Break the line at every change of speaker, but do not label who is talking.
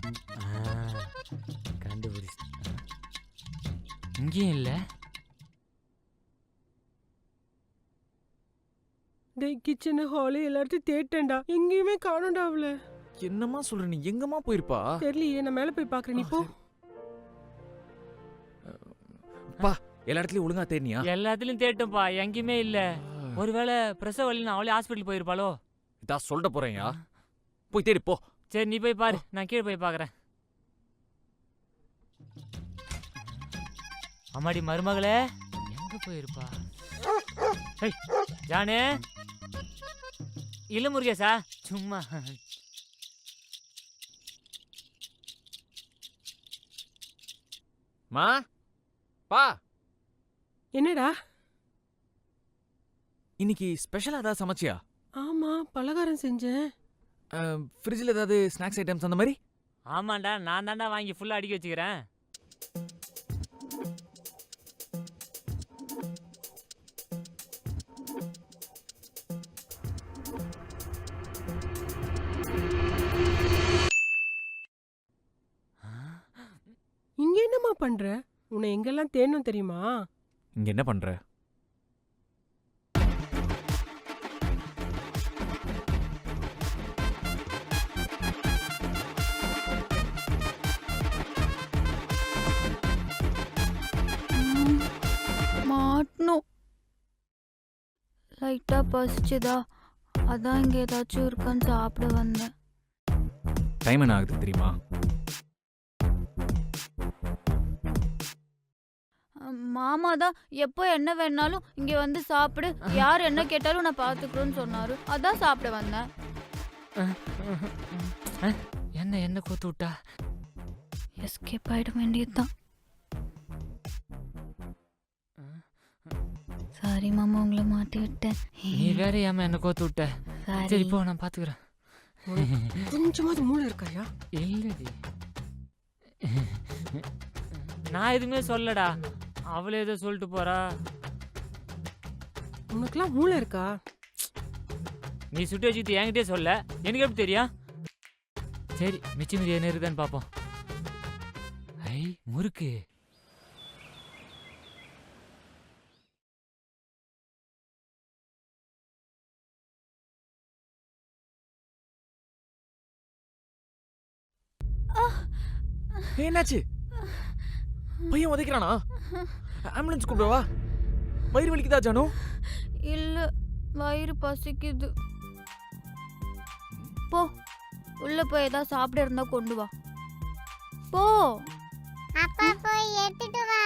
கண்டுபிடிச்சு இங்கேயும் இல்லை.
டேய் கிச்சன் ஹாலு எல்லாத்தையும் தேட்டேன்டா, எங்கேயுமே காணோம்டா அவள.
என்னம்மா சொல்ற நீ? எங்கம்மா போயிருப்பா?
தெரியலையே, நான் மேல போய் பாக்குறேன், நீ போ.
பா, எல்லா இடத்துலயும் ஒழுங்கா தேடினியா?
எல்லாத்துலயும் தேட்டோம்ப்பா, எங்கேயுமே இல்லை. ஒருவேளை பிரசவ வலின்னு அவளே ஹாஸ்பிட்டல் போயிருப்பாளோ?
இதா சொல்லிட்டு போறேன்யா, போய் தேடி போ.
சரி நீ போய் பாரு, நான் கீழே போய் பார்க்குறேன். அம்மாடி மருமகளே, எங்க போயிருப்பா? ஜானு இல்ல முருகேசா, சும்மா.
மா பா,
என்னடா
இன்னைக்கு ஸ்பெஷலா ஏதாவது சமைச்சியா?
ஆமா, பலகாரம் செஞ்சேன்.
ஃப்ரிட்ஜில் ஏதாவது ஸ்நாக்ஸ் ஐட்டம்ஸ் அந்த மாதிரி?
ஆமாண்டா, நான் தாண்டா வாங்கி ஃபுல்லா அடிக்க வச்சுக்கிறேன்.
இங்க என்னம்மா பண்ற? உன்னை எங்கெல்லாம் தேடணும் தெரியுமா?
இங்க என்ன பண்ற?
மாட்டணும். லைட்டா பசிச்சுதா, அதான் இங்க ஏதாச்சும் இருக்கான்னு சாப்பிட வந்தேன்.
டைம் என்ன ஆகுது தெரியுமா?
மாமா தான் எப்போ என்ன வேணாலும் இங்க வந்து சாப்பிடு, யார் என்ன கேட்டாலும் நான் பாத்துக்கிறேன்னு சொன்னாரு, அதான் சாப்பிட வந்தேன்.
என்ன என்ன கோத்து விட்டா?
எஸ்கேப் ஆயிட வேண்டியதுதான். சாரி மாமா, உங்களை மாட்டி விட்டேன்.
நீ வேற ஏமா என்ன கோத்து விட்ட? சரி போ, நான் பாத்துக்கிறேன்.
கொஞ்சமாவது மூளை இருக்காயா?
இல்லடி, நான் எதுவுமே சொல்லடா, அவளே ஏதோ சொல்லிட்டு போறா.
உனக்குலாம் மூளை இருக்கா?
நீ சுட்டு வச்சுட்டு என்கிட்டே சொல்ல, எனக்கு எப்படி தெரியும்? சரி, மிச்சம் மீதி என்ன இருக்குதான்னு பாப்போம். ஐ முறுக்கு.
என்னாச்சு? பையன் உதைக்கிறானா? ஆம்புலன்ஸ் கூப்பிடவா? வயிறு வலிக்குதா ஜானு?
இல்ல, வயிறு பசிக்குது. போ, உள்ள போய் ஏதாவது சாப்பிட இருந்தா கொண்டு வா. போ.
அப்பா போய் எடுத்துட்டு வா.